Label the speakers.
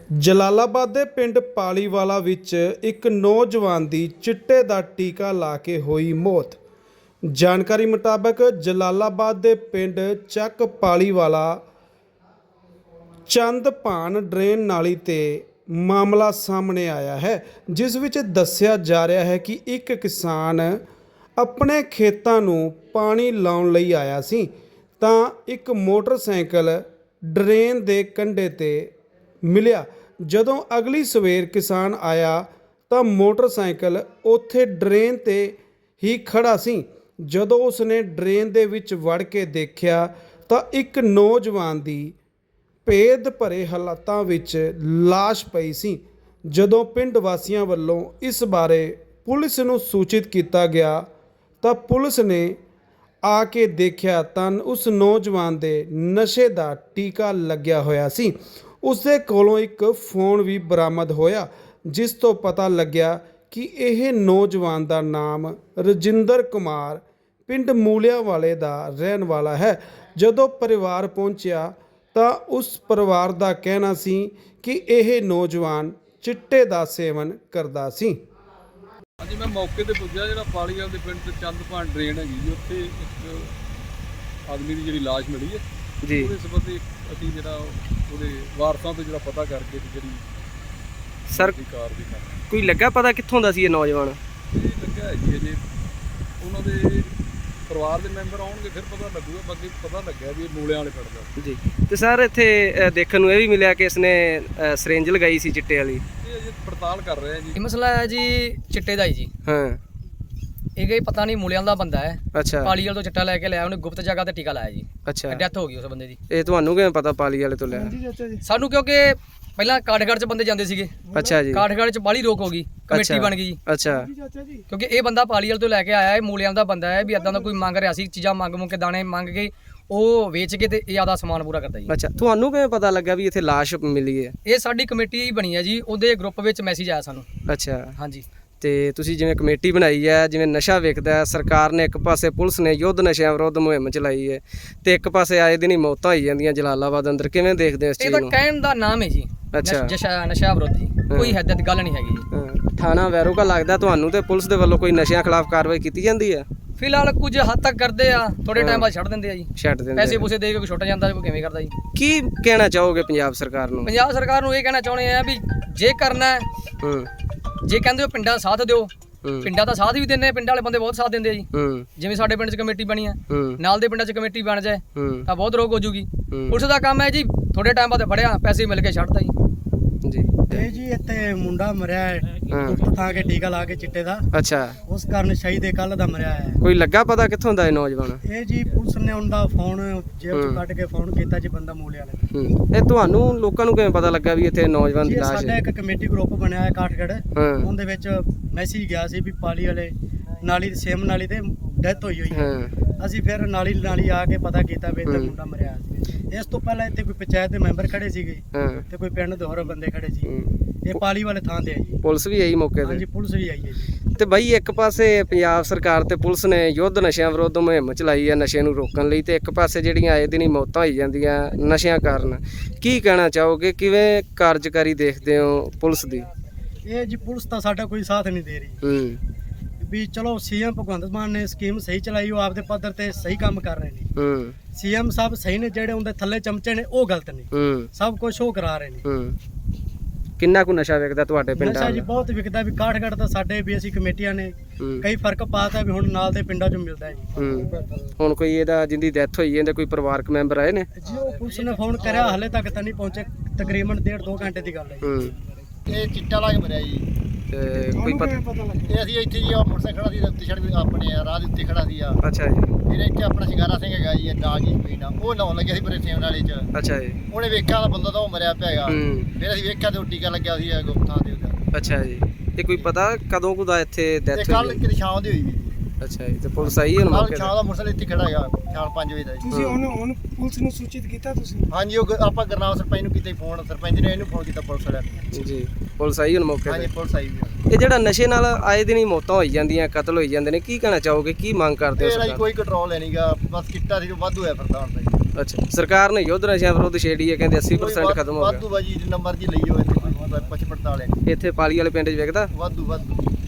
Speaker 1: ਜਲਾਲਾਬਾਦ ਦੇ ਪਿੰਡ ਪਾਲੀਵਾਲਾ ਵਿੱਚ ਇੱਕ ਨੌਜਵਾਨ ਦੀ ਚਿੱਟੇ ਦਾ ਟੀਕਾ ਲਾ ਕੇ ਹੋਈ ਮੌਤ। ਜਾਣਕਾਰੀ ਮੁਤਾਬਕ ਜਲਾਲਾਬਾਦ ਦੇ ਪਿੰਡ ਚੱਕ ਪਾਲੀਵਾਲਾ ਚੰਦਪਾਨ ਡਰੇਨ ਨਾਲੀ ਤੇ ਮਾਮਲਾ ਸਾਹਮਣੇ ਆਇਆ ਹੈ, ਜਿਸ ਵਿੱਚ ਦੱਸਿਆ ਜਾ ਰਿਹਾ ਹੈ ਕਿ ਇੱਕ ਕਿਸਾਨ ਆਪਣੇ ਖੇਤਾਂ ਨੂੰ ਪਾਣੀ ਲਾਉਣ ਲਈ ਆਇਆ ਸੀ ਤਾਂ ਇੱਕ ਮੋਟਰਸਾਈਕਲ ਡਰੇਨ ਦੇ ਕੰਢੇ ਤੇ ਮਿਲਿਆ। ਜਦੋਂ ਅਗਲੀ ਸਵੇਰ ਕਿਸਾਨ ਆਇਆ ਤਾਂ ਮੋਟਰਸਾਈਕਲ ਉੱਥੇ ਡਰੇਨ ਤੇ ਹੀ ਖੜਾ ਸੀ। ਜਦੋਂ ਉਸਨੇ ਡਰੇਨ ਦੇ ਵਿੱਚ ਵੜ ਕੇ ਦੇਖਿਆ ਤਾਂ ਇੱਕ ਨੌਜਵਾਨ ਦੀ ਭੇਦ ਭਰੇ ਹਾਲਾਤਾਂ ਵਿੱਚ ਲਾਸ਼ ਪਈ ਸੀ। ਜਦੋਂ ਪਿੰਡ ਵਾਸੀਆਂ ਵੱਲੋਂ ਇਸ ਬਾਰੇ ਪੁਲਿਸ ਨੂੰ ਸੂਚਿਤ ਕੀਤਾ ਗਿਆ ਤਾਂ ਪੁਲਿਸ ਨੇ ਆ ਕੇ ਦੇਖਿਆ ਤਾਂ ਉਸ ਨੌਜਵਾਨ ਦੇ ਨਸ਼ੇ ਦਾ ਟੀਕਾ ਲੱਗਿਆ ਹੋਇਆ ਸੀ। ਉਸ ਦੇ ਕੋਲੋਂ ਇੱਕ ਫੋਨ ਵੀ ਬਰਾਮਦ ਹੋਇਆ, ਜਿਸ ਤੋਂ ਪਤਾ ਲੱਗਿਆ ਕਿ ਇਹ ਨੌਜਵਾਨ ਦਾ ਨਾਮ ਰਜਿੰਦਰ ਕੁਮਾਰ ਪਿੰਡ ਮੂਲਿਆਂ ਵਾਲੇ ਦਾ ਰਹਿਣ ਵਾਲਾ ਹੈ। ਜਦੋਂ ਪਰਿਵਾਰ ਪਹੁੰਚਿਆ ਤਾਂ ਉਸ ਪਰਿਵਾਰ ਦਾ ਕਹਿਣਾ ਸੀ ਕਿ ਇਹ ਨੌਜਵਾਨ ਚਿੱਟੇ ਦਾ ਸੇਵਨ ਕਰਦਾ ਸੀ।
Speaker 2: ਹਾਂਜੀ, ਮੈਂ ਮੌਕੇ ਤੇ ਪੁੱਜਿਆ ਜਿਹੜਾ ਪਾਲੀਵਾਲ ਦੇ ਪਿੰਡ ਤੇ ਚੰਦਪਾਨ ਡਰੇਨ ਹੈਗੀ ਜੀ, ਉੱਥੇ ਇੱਕ ਆਦਮੀ ਦੀ ਜਿਹੜੀ ਲਾਸ਼ ਮਿਲੀ ਹੈ ਜੀ। ਉਹਦੇ ਸੰਬੰਧੀ ਅਸੀਂ ਜਿਹੜਾ ਉਹਦੇ ਵਾਰਸਾਂ ਤੋਂ ਜਿਹੜਾ ਪਤਾ ਕਰਕੇ ਜਿਹੜੀ
Speaker 3: ਸਰ
Speaker 2: ਕਾਰਵਾਈ ਕਰ
Speaker 3: ਕੋਈ ਲੱਗਾ ਪਤਾ ਕਿੱਥੋਂ ਦਾ ਸੀ ਇਹ ਨੌਜਵਾਨ?
Speaker 2: ਇਹ ਲੱਗਿਆ ਹੈ ਜੀ ਅਜੇ ਉਹਨਾਂ ਦੇ ਪਰਿਵਾਰ ਦੇ ਮੈਂਬਰ ਆਉਣਗੇ ਫਿਰ ਪਤਾ ਲੱਗੂਗਾ। ਬਾਕੀ ਪਤਾ ਲੱਗਿਆ ਵੀ ਇਹ ਮੂਲਿਆਂ ਵਾਲੇ ਪਿੰਡ ਦਾ
Speaker 3: ਜੀ। ਤੇ ਸਰ ਇੱਥੇ ਦੇਖਣ ਨੂੰ ਇਹ ਵੀ ਮਿਲਿਆ ਕਿ ਇਸਨੇ ਸਿਰਿੰਜ ਲਗਾਈ ਸੀ ਚਿੱਟੇ ਵਾਲੀ।
Speaker 2: ਇਹ ਅਜੇ ਪੜਤਾਲ ਕਰ ਰਹੇ ਆ ਜੀ।
Speaker 4: ਇਹ ਮਸਲਾ ਹੈ ਜੀ ਚਿੱਟੇ ਦਾ ਹੀ ਜੀ।
Speaker 3: ਹਾਂ,
Speaker 4: ਇਹ ਕੋਈ ਪਤਾ ਨਹੀਂ ਮੂਲਿਆਂ ਦਾ ਬੰਦਾ ਹੈ।
Speaker 3: ਅੱਛਾ।
Speaker 4: ਪਾਲੀਵਾਲ ਤੋਂ ਚਿੱਟਾ ਲੈ ਕੇ ਲਿਆ, ਉਹਨੇ ਗੁਪਤ ਜਗ੍ਹਾ ਤੇ ਟੀਕਾ ਲਾਇਆ ਜੀ।
Speaker 3: ਅੱਛਾ,
Speaker 4: ਡੈਥ ਹੋ ਗਈ ਉਸ ਬੰਦੇ ਦੀ।
Speaker 3: ਇਹ ਤੁਹਾਨੂੰ ਕਿਵੇਂ ਪਤਾ ਪਾਲੀ ਵਾਲੇ ਤੋਂ ਲਿਆ?
Speaker 4: ਸਾਨੂੰ ਕਿਉਂਕਿ ਪਹਿਲਾਂ ਕਾਠਗੜ੍ਹ 'ਚ ਬੰਦੇ ਜਾਂਦੇ ਸੀਗੇ।
Speaker 3: ਅੱਛਾ ਜੀ।
Speaker 4: ਕਾਠਗੜ੍ਹ 'ਚ ਬਾਹਲੀ ਰੋਕ ਹੋ ਗਈ, ਕਮੇਟੀ ਬਣ ਗਈ ਜੀ।
Speaker 3: ਅੱਛਾ,
Speaker 4: ਕਿਉਂਕਿ ਇਹ ਬੰਦਾ ਪਾਲੀਵਾਲ ਤੋਂ ਲੈ ਕੇ ਆਇਆ ਹੈ, ਮੂਲਿਆਂ ਦਾ ਬੰਦਾ ਹੈ ਵੀ ਇਦਾਂ ਦਾ ਕੋਈ ਮੰਗ ਰਿਹਾ ਸੀ, ਚੀਜ਼ਾਂ ਮੰਗ ਕੇ ਦਾਣੇ ਮੰਗ ਕੇ ਉਹ ਵੇਚ ਕੇ ਤੇ ਇਹ ਆਦਾ ਸਮਾਨ ਪੂਰਾ ਕਰਦਾ ਜੀ।
Speaker 3: ਅੱਛਾ। ਤੁਹਾਨੂੰ ਕਿਵੇਂ ਪਤਾ ਲੱਗਾ ਵੀ ਇੱਥੇ ਲਾਸ਼ ਮਿਲੀ ਹੈ?
Speaker 4: ਇਹ ਸਾਡੀ ਕਮੇਟੀ ਹੀ ਬਣੀ ਹੈ ਜੀ, ਉਹਦੇ ਗਰੁੱਪ ਵਿੱਚ ਮੈਸੇਜ ਆਇਆ ਸਾਨੂੰ।
Speaker 3: ਅੱਛਾ।
Speaker 4: ਹਾਂਜੀ।
Speaker 3: ਤੇ ਤੁਸੀਂ ਜਿਵੇਂ ਕਮੇਟੀ ਬਣਾਈ ਹੈ, ਜਿਵੇਂ ਨਸ਼ਾ ਵਿਕਦਾ ਹੈ, ਸਰਕਾਰ ਨੇ ਇੱਕ ਪਾਸੇ ਪੁਲਿਸ ਨੇ ਯੁੱਧ ਨਸ਼ਿਆਂ ਵਿਰੁੱਧ ਮੁਹਿੰਮ ਚਲਾਈ ਹੈ ਤੇ ਇੱਕ ਪਾਸੇ ਆਏ ਦਿਨ ਹੀ ਮੌਤਾਂ ਹੋਈ ਜਾਂਦੀਆਂ ਜਲਾਲਾਬਾਦ ਅੰਦਰ, ਕਿਵੇਂ ਦੇਖਦੇ ਹੋ ਇਸ
Speaker 4: ਇਹ
Speaker 3: ਚੀਜ਼
Speaker 4: ਤਾਂ
Speaker 3: ਨੂੰ?
Speaker 4: ਕਹਿਣ ਦਾ ਨਾਮ ਹੈ ਜੀ।
Speaker 3: ਅੱਛਾ।
Speaker 4: ਨਸ਼ਾ ਵਿਰੋਧ ਜੀ, ਕੋਈ ਹੱਦ ਗੱਲ ਨਹੀਂ ਹੈਗੀ ਜੀ।
Speaker 3: ਹਾਂ। ਥਾਣਾ ਵੈਰੋਗਾ ਲੱਗਦਾ ਤੁਹਾਨੂੰ ਤੇ ਪੁਲਿਸ ਦੇ ਵੱਲੋਂ ਕੋਈ ਨਸ਼ਿਆਂ ਖਿਲਾਫ ਕਾਰਵਾਈ ਕੀਤੀ ਜਾਂਦੀ ਹੈ?
Speaker 4: ਫਿਲਹਾਲ ਕੁਝ ਹੱਦ ਤੱਕ ਕਰਦੇ ਆ, ਥੋੜੇ ਟਾਈਮ ਬਾਅਦ ਛੱਡ ਦਿੰਦੇ ਆ ਜੀ।
Speaker 3: ਛੱਡ ਦਿੰਦੇ
Speaker 4: ਪੈਸੇ ਪੂਸੇ ਦੇ ਕੇ ਕੋਈ ਛੁੱਟ ਜਾਂਦਾ, ਕੋਈ ਕਿਵੇਂ ਕਰਦਾ ਜੀ।
Speaker 3: ਕੀ ਕਹਿਣਾ ਚਾਹੋਗੇ ਪੰਜਾਬ ਸਰਕਾਰ ਨੂੰ?
Speaker 4: ਪੰਜਾਬ ਸਰਕਾਰ ਨੂੰ ਇਹ ਕਹਿਣਾ ਚਾਹੁੰਦੇ ਆ ਵੀ ਜੇ ਕਰਨਾ ਹੈ, ਜੇ ਕਹਿੰਦੇ ਹੋ ਪਿੰਡਾਂ ਦਾ ਸਾਥ ਦਿਓ, ਪਿੰਡਾਂ ਦਾ ਸਾਥ ਵੀ ਦਿੰਦੇ, ਪਿੰਡ ਵਾਲੇ ਬੰਦੇ ਬਹੁਤ ਸਾਥ ਦਿੰਦੇ ਆ ਜੀ। ਜਿਵੇਂ ਸਾਡੇ ਪਿੰਡ 'ਚ ਕਮੇਟੀ ਬਣੀ ਹੈ, ਨਾਲ ਦੇ ਪਿੰਡਾਂ 'ਚ ਕਮੇਟੀ ਬਣ ਜਾਏ ਤਾਂ ਬਹੁਤ ਰੋਕ ਹੋ ਜੂਗੀ। ਪੁਲਿਸ ਦਾ ਕੰਮ ਹੈ ਜੀ, ਥੋੜੇ ਟਾਈਮ ਬਾਅਦ ਫੜਿਆ, ਪੈਸੇ ਮਿਲ ਕੇ ਛੱਡਦਾ ਜੀ।
Speaker 5: ਇਹ ਜੀ ਇੱਥੇ ਮੁੰਡਾ ਮਰਿਆ ਹੈ ਗੁਪਤ ਥਾਂ ਕੇ ਟੀਕਾ ਲਾ ਕੇ ਚਿੱਟੇ ਦਾ।
Speaker 3: ਅੱਛਾ।
Speaker 5: ਉਸ ਕਾਰਨ ਸ਼ਹੀਦ ਕੱਲ ਦਾ ਮਰਿਆ ਹੈ।
Speaker 3: ਕੋਈ ਲੱਗਾ ਪਤਾ ਕਿੱਥੋਂ ਦਾ ਇਹ ਨੌਜਵਾਨ?
Speaker 5: ਇਹ ਜੀ ਪੁਲਿਸ ਨੇ ਉਹਦਾ ਫੋਨ ਜੇਬ ਤੋਂ ਕੱਢ ਕੇ ਫੋਨ ਕੀਤਾ ਜੀ, ਬੰਦਾ ਮੂਲੇ ਵਾਲੇ।
Speaker 3: ਇਹ ਤੁਹਾਨੂੰ ਲੋਕਾਂ ਨੂੰ ਕਿਵੇਂ ਪਤਾ ਲੱਗਾ ਵੀ ਇੱਥੇ ਨੌਜਵਾਨ ਦੀ ਲਾਸ਼
Speaker 5: ਸਾਡਾ
Speaker 3: ਹੈ?
Speaker 5: ਇੱਕ ਕਮੇਟੀ ਗਰੁੱਪ ਬਣਿਆ ਹੈ ਕਾਠਗੜ੍ਹ, ਉਹਦੇ ਵਿੱਚ ਮੈਸੇਜ ਗਿਆ ਸੀ ਵੀ ਪਾਲੀ ਵਾਲੇ ਨਾਲੀ ਸੇਮ ਨਾਲੀ ਤੇ ਡੈਥ ਹੋਈ ਹੈ। ਅਸੀਂ ਫਿਰ ਨਾਲੀ ਆ ਕੇ ਪਤਾ ਕੀਤਾ ਵੀ ਇੱਥੇ ਮੁੰਡਾ ਮਰਿਆ ਸੀ। ਇਸ ਤੋਂ ਪਹਿਲਾਂ ਇੱਥੇ ਕੋਈ ਪੰਚਾਇਤ ਦੇ ਮੈਂਬਰ ਖੜੇ ਸੀਗੇ ਤੇ ਕੋਈ ਪਿੰਡ ਦੇ ਹੋਰ ਬੰਦੇ ਖੜੇ ਸੀ। ਇਹ ਪਾਲੀ ਵਾਲੇ ਥਾਂ ਤੇ ਹੈ ਜੀ।
Speaker 3: ਪੁਲਿਸ ਵੀ ਆਈ ਮੌਕੇ ਤੇ?
Speaker 5: ਹਾਂਜੀ, ਪੁਲਿਸ ਵੀ ਆਈ ਹੈ ਜੀ।
Speaker 3: ਤੇ ਬਾਈ ਇੱਕ ਪਾਸੇ ਪੰਜਾਬ ਸਰਕਾਰ ਤੇ ਪੁਲਿਸ ਨੇ ਯੁੱਧ ਨਸ਼ਿਆਂ ਵਿਰੁੱਧ ਮੁਹਿੰਮ ਚਲਾਈ ਹੈ ਨਸ਼ੇ ਨੂੰ ਰੋਕਣ ਲਈ, ਤੇ ਇੱਕ ਪਾਸੇ ਜਿਹੜੀਆਂ ਆਏ ਦਿਨ ਹੀ ਮੌਤਾਂ ਹੋਈ ਜਾਂਦੀਆਂ ਨਸ਼ਿਆਂ ਕਾਰਨ, ਕੀ ਕਹਿਣਾ ਚਾਹੋਗੇ? ਕਿਵੇਂ ਕਾਰਜਕਾਰੀ ਦੇਖਦੇ ਹੋ ਪੁਲਿਸ ਦੀ?
Speaker 5: ਇਹ ਜੀ ਪੁਲਿਸ ਤਾਂ ਸਾਡਾ ਕੋਈ ਸਾਥ ਨਹੀਂ ਦੇ ਰਹੀ ਵੀ ਚਲੋ ਸੀਐਮ ਭਗਵੰਤ ਮਾਨ ਨੇ ਸਕੀਮ ਸਹੀ ਚਲਾਈ, ਉਹ ਆਪਦੇ ਪੱਧਰ ਤੇ ਸਹੀ ਕੰਮ ਕਰ ਰਹੇ ਨੇ। ਸੀਐਮ ਸਾਹਿਬ ਸਹੀ ਨੇ, ਜਿਹੜੇ ਉਹਦੇ ਥੱਲੇ ਚਮਚੇ ਨੇ ਉਹ ਗਲਤ ਨੇ। ਸਭ ਕੁਝ ਉਹ ਕਰਾ ਰਹੇ ਨੇ।
Speaker 3: ਕਿੰਨਾ ਕੁ ਨਸ਼ਾ ਵਿਕਦਾ ਤੁਹਾਡੇ ਪਿੰਡਾਂ?
Speaker 5: ਨਸ਼ਾ ਜੀ ਬਹੁਤ ਵਿਕਦਾ ਵੀ ਕਾਠਗੜ੍ਹ ਤਾਂ ਸਾਡੇ ਵੀ ਅਸੀਂ ਕਮੇਟੀਆਂ ਨੇ ਕਈ ਫਰਕ ਪਾਤਾ ਵੀ ਹੁਣ ਨਾਲ ਦੇ ਪਿੰਡਾਂ 'ਚੋਂ ਮਿਲਦਾ ਹੈ ਜੀ।
Speaker 3: ਹੁਣ ਕੋਈ ਇਹਦਾ ਜਿੰਦੀ ਡੈਥ ਹੋਈ ਇਹਦੇ ਕੋਈ ਪਰਿਵਾਰਕ ਮੈਂਬਰ ਆਏ ਨੇ?
Speaker 5: ਜੀ ਉਹ ਪੁਲਿਸ ਨੇ ਫੋਨ ਕਰਿਆ, ਹਲੇ ਤੱਕ ਤਾਂ ਨਹੀਂ ਪਹੁੰਚੇ। ਤਕਰੀਬਨ 1.5-2 ਘੰਟੇ ਦੀ ਗੱਲ ਹੈ।
Speaker 6: ਇਹ ਚਿੱਟਾ ਲਾ ਕੇ ਮਰਿਆ ਜੀ।
Speaker 3: ਤੇ ਕੋਈ ਪਤਾ?
Speaker 6: ਇਹ ਅਸੀਂ ਇੱਥੇ ਜੀ ਮੋਟਰਸਾਈਕਲ ਖੜਾ ਸੀ, ਉੱਤੇ ਸੜਕ ਆਪਣੇ ਰਾਹ ਦੇ ਉੱਤੇ ਖੜਾ ਸੀ।
Speaker 3: ਅੱਛਾ ਜੀ।
Speaker 6: ਫਿਰ ਇੱਥੇ ਆਪਣਾ ਸ਼ਿੰਗਾਰਾ ਸਿੰਘ ਹੈਗਾ ਜੀ, ਨਾਗ ਜੀ ਪੀਣਾ, ਉਹ ਨਹਾਉਣ ਲੱਗਿਆ ਸੀ ਪਰੇ ਸੇਮ ਨਾਲੇ 'ਚ।
Speaker 3: ਅੱਛਾ ਜੀ।
Speaker 6: ਉਹਨੇ ਵੇਖਿਆ ਤਾਂ ਬੰਦਾ ਤਾਂ ਉਹ ਮਰਿਆ ਪਿਆ ਹੈਗਾ। ਫਿਰ ਅਸੀਂ ਵੇਖਿਆ ਤੇ ਉਹ ਟੀਕਾ ਲੱਗਿਆ ਸੀ ਗੁਪਤਾਂ ਦੇ ਉਹਦਾ।
Speaker 3: ਅੱਛਾ ਜੀ। ਤੇ ਕੋਈ ਪਤਾ ਕਦੋਂ ਕੁ ਦਾ ਇੱਥੇ ਡੈਥ ਹੋਈ?
Speaker 6: ਕੱਲ ਕਿਤੇ ਸ਼ਾਮ ਦੀ ਹੋਈ ਵੀ।
Speaker 3: ਅੱਛਾ ਜੀ। ਤੇ ਪੁਲਿਸ ਆਈ ਹੁਣ ਮੌਕੇ ਤੇ?
Speaker 6: ਸ਼ਾਮ ਦਾ ਮੋਟਰਸਾਈਕਲ ਇੱਥੇ ਖੜਾ ਹੈਗਾ, ਸ਼ਾਮ 5 ਵਜੇ ਦਾ ਜੀ।
Speaker 5: ਤੁਸੀਂ ਹੁਣ ਪੁਲਿਸ ਨੂੰ ਸੂਚਿਤ ਕੀਤਾ ਤੁਸੀਂ?
Speaker 6: ਹਾਂਜੀ, ਉਹ ਆਪਾਂ ਗੁਰਨਾਮ ਸਰਪੰਚ ਨੂੰ ਕੀਤਾ ਫੋਨ, ਸਰਪੰਚ ਨੇ ਇਹਨੂੰ ਫੋਨ ਕੀਤਾ ਪੁਲਿਸ ਵਾਲਿਆਂ
Speaker 3: ਜੀ। ਪੁਲਿਸ ਆਈ ਹੁਣ ਮੌਕੇ
Speaker 6: ਹਾਂਜੀ,
Speaker 3: ਤੇ?
Speaker 6: ਪੁਲਿਸ ਆਈ ਵੀ।
Speaker 3: ਇਹ ਜਿਹੜਾ ਨਸ਼ੇ ਨਾਲ ਆਏ ਦਿਨ ਹੀ ਮੌਤਾਂ ਹੋਈ ਜਾਂਦੀਆਂ, ਕਤਲ ਹੋਈ ਜਾਂਦੇ ਨੇ, ਕੀ ਕਹਿਣਾ ਚਾਹੋਗੇ? ਕੀ ਮੰਗ ਕਰਦੇ ਹੋ
Speaker 6: ਇਹ
Speaker 3: ਸਰਕਾਰ?
Speaker 6: ਕੋਈ ਕੰਟਰੋਲ ਹੈ ਨਹੀਂਗਾ, ਬਸ ਕਿੱਟਾ ਸੀ ਜੋ ਵਾਧੂ ਹੈ ਫਿਰਦਾ ਹੁਣ ਤਾਂ ਜੀ।
Speaker 3: ਅੱਛਾ, ਸਰਕਾਰ ਨੇ ਯੁੱਧ ਨਸ਼ਿਆਂ ਵਿਰੁੱਧ ਛੇੜੀ ਹੈ, ਕਹਿੰਦੇ 80% ਖਤਮ ਹੋ
Speaker 6: ਵਾਧੂ ਬਾਜੀ ਜਿੰਨਾ ਮਰਜ਼ੀ ਲਈ ਹੋਵੇ ਇੱਥੇ ਕੋਈ ਪਛ ਪੜਤਾਲ ਹੈ
Speaker 3: ਗਿਆ। ਇੱਥੇ ਪਾਲੀ ਵਾਲੇ ਪਿੰਡ 'ਚ ਵਿਕਦਾ
Speaker 6: ਵਾਧੂ ਵਾਧੂ